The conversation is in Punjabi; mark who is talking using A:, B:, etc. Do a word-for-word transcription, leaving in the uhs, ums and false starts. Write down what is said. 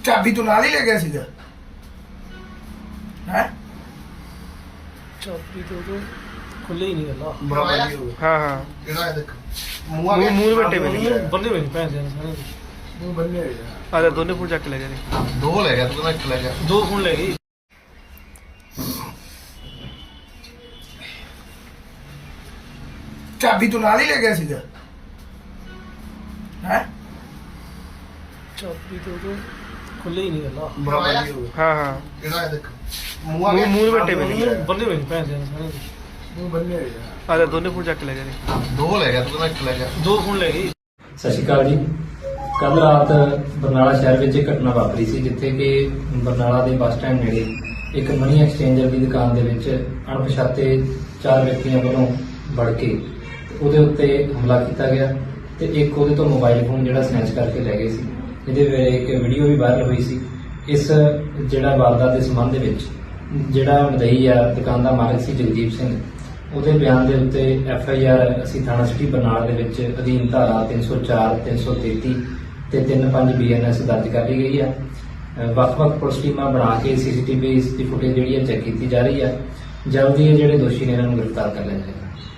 A: ਚਾਬੀ ਤੂੰ ਨਾਲ ਹੀ ਲੈ ਗਿਆ ਸੀਗਾ ਹੈ
B: ਚਾਬੀ तो तो खुले ही नहीं गला
C: हाँ हाँ
A: ਕਿਹੜਾ ਹੈ ਦੇਖ
C: मुंह मुंह बट्टे पे नहीं
B: बंदे में पैसे देने सारे
A: ਮੂੰਹ ਬੰਨੇ ਹੋਏ ਆ
C: आधा दोनों फुल चक ले गए
A: ਦੋ ਲੈ ਗਿਆ ਤੂੰ ਕਹਿੰਦਾ ਇੱਕ ਲੈ ਗਿਆ
B: दो फोन ले गई
A: ਚਾਬੀ ਤੂੰ ਨਾਲ ਹੀ ਲੈ ਗਿਆ ਸੀਗਾ ਹੈ
B: चाबी तो तो खुले ही नहीं गला
C: हाँ हाँ
A: ਕਿਹੜਾ ਹੈ ਦੇਖ
C: मुंह मुंह बट्टे पे नहीं
B: बंदे में पैसे देने सारे
A: ਮੂੰਹ ਬੰਨੇ ਹੋਏ ਆ
C: आधा दोनों फुल चक ले गए
A: ਦੋ ਲੈ ਗਿਆ ਤੂੰ ਕਹਿੰਦਾ ਇੱਕ ਲੈ ਗਿਆ
B: दो फोन ले गई।
D: ਸਤਿ ਸ਼੍ਰੀ ਅਕਾਲ ਜੀ। ਕੱਲ ਰਾਤ ਬਰਨਾਲਾ ਸ਼ਹਿਰ ਵਿੱਚ ਇੱਕ ਘਟਨਾ ਵਾਪਰੀ ਸੀ ਜਿੱਥੇ ਕਿ ਬਰਨਾਲਾ ਦੇ ਬੱਸ ਸਟੈਂਡ ਨੇੜੇ ਇੱਕ ਮਨੀ ਐਕਸਚੇਂਜਰ ਦੀ ਦੁਕਾਨ ਦੇ ਵਿੱਚ ਅਣਪਛਾਤੇ ਚਾਰ ਵਿਅਕਤੀਆਂ ਵੱਲੋਂ ਵੜ ਕੇ ਉਹਦੇ ਉੱਤੇ ਹਮਲਾ ਕੀਤਾ ਗਿਆ ਤੇ ਇੱਕ ਉਹਦੇ ਤੋਂ ਮੋਬਾਈਲ ਫੋਨ ਜਿਹੜਾ ਸਨੈਚ ਕਰਕੇ ਲੈ ਗਏ ਸੀ। ਇਹਦੇ ਵੇਲੇ ਇੱਕ ਵੀਡੀਓ ਵੀ ਵਾਇਰਲ ਹੋਈ ਸੀ। ਇਸ ਜਿਹੜਾ ਵਾਰਦਾਤ ਦੇ ਸੰਬੰਧ ਦੇ ਵਿੱਚ ਜਿਹੜਾ ਮਦਈ ਆ ਦੁਕਾਨ ਦਾ ਮਾਲਕ ਸੀ ਜਗਦੀਪ ਸਿੰਘ, ਉਹਦੇ ਬਿਆਨ ਦੇ ਉੱਤੇ ਐਫ ਆਈ ਆਰ ਅਸੀਂ ਥਾਣਾ ਸਿਟੀ ਬਰਨਾਲਾ ਦੇ ਵਿੱਚ ਅਧੀਨ ਧਾਰਾ ਤਿੰਨ ਸੌ ਚਾਰ, ਤਿੰਨ ਸੌ ਤੇਤੀ ਤੇ ਤਿੰਨ ਪੰਜ ਬੀ ਐਨ ਐਸ ਦਰਜ ਕਰ ਲਈ ਗਈ ਆ। ਵੱਖ-ਵੱਖ ਪੁਲਿਸ ਟੀਮਾਂ ਬਣਾ ਕੇ ਸੀ ਸੀ ਟੀ ਵੀ ਦੀ ਫੁਟੇਜ ਜਿਹੜੀ ਹੈ ਚੈੱਕ ਕੀਤੀ ਜਾ ਰਹੀ ਹੈ। ਜਲਦੀ ਇਹ ਜਿਹੜੇ ਦੋਸ਼ੀ ਨੇ ਇਹਨਾਂ ਨੂੰ ਗ੍ਰਿਫਤਾਰ ਕਰ ਲਿਆ ਜਾਏਗਾ।